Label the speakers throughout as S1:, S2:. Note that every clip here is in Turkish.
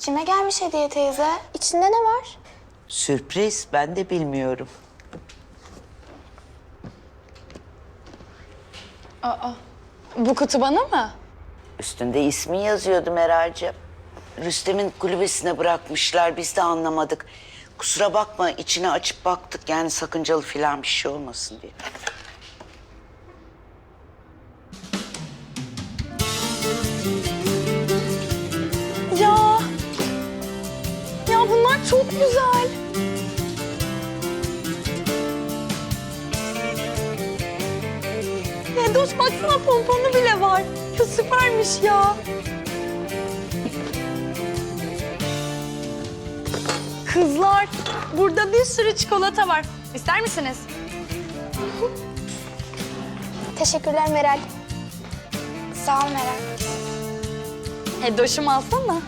S1: Kime gelmiş hediye teyze? İçinde ne var?
S2: Sürpriz, ben de bilmiyorum.
S3: Bu kutu bana mı?
S2: Üstünde ismin yazıyordu Meral'cığım. Rüstem'in kulübesine bırakmışlar, biz de anlamadık. Kusura bakma, içine açıp baktık, yani sakıncalı falan bir şey olmasın diye.
S3: Ya. Ya bunlar çok güzel. Nedoş baksana pomponu bile var. Ya süpermiş ya. Kızlar, burada bir sürü çikolata var. İster misiniz?
S1: Teşekkürler Meral. Sağ ol Meral.
S3: Hedoş'umu alsana.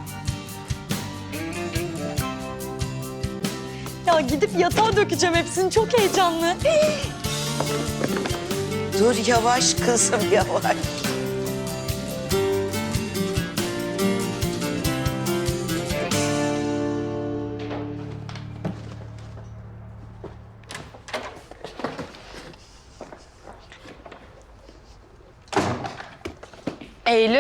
S3: Ya gidip yatağa dökeceğim hepsini. Çok heyecanlı.
S2: Dur yavaş kızım, yavaş.
S3: Eylül.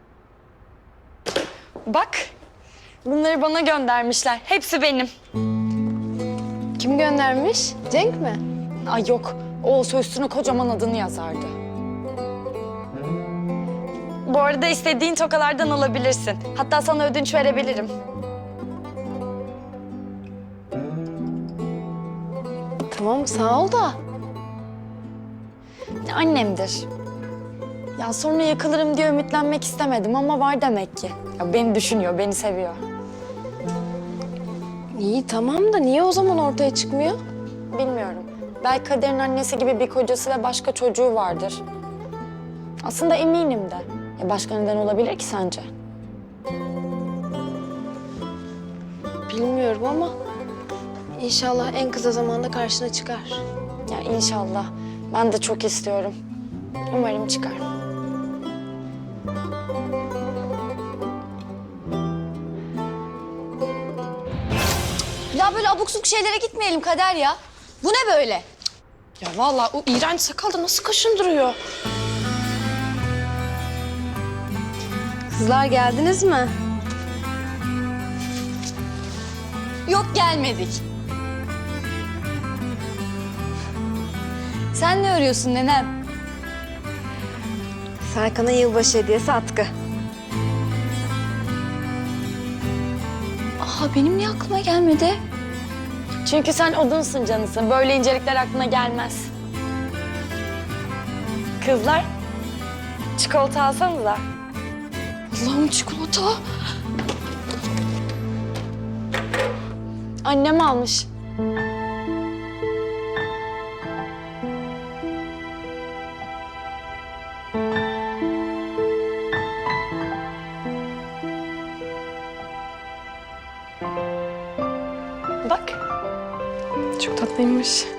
S3: Bak. Bunları bana göndermişler. Hepsi benim.
S4: Kim göndermiş? Cenk mi?
S3: Ay yok. O olsa üstüne kocaman adını yazardı. Bu arada istediğin tokalardan alabilirsin. Hatta sana ödünç verebilirim.
S4: Tamam sağ ol da.
S3: Annemdir. Ya sonra yakılırım diye ümitlenmek istemedim ama var demek ki. Ya beni düşünüyor, beni seviyor.
S4: İyi tamam da niye o zaman ortaya çıkmıyor?
S3: Bilmiyorum. Belki Kader'in annesi gibi bir kocası ve başka çocuğu vardır. Aslında eminim de. Ya başka neden olabilir ki sence?
S4: Bilmiyorum ama inşallah en kısa zamanda karşına çıkar.
S3: Ya inşallah. Ben de çok istiyorum. Umarım çıkar.
S5: Ya böyle abuk subuk şeylere gitmeyelim Kader ya. Bu ne böyle?
S4: Ya vallahi o iğrenç sakal da nasıl kaşındırıyor? Kızlar geldiniz mi?
S5: Yok gelmedik. Sen ne örüyorsun nenem?
S4: Serkan'a yılbaşı hediyesi atkı.
S5: Aa benim niye aklıma gelmedi?
S3: Çünkü sen odunsun canısın. Böyle incelikler aklına gelmez. Kızlar, çikolata alsanıza.
S4: Allah'ım çikolata.
S3: Annem almış. Bak.
S4: Çok tatlıymış.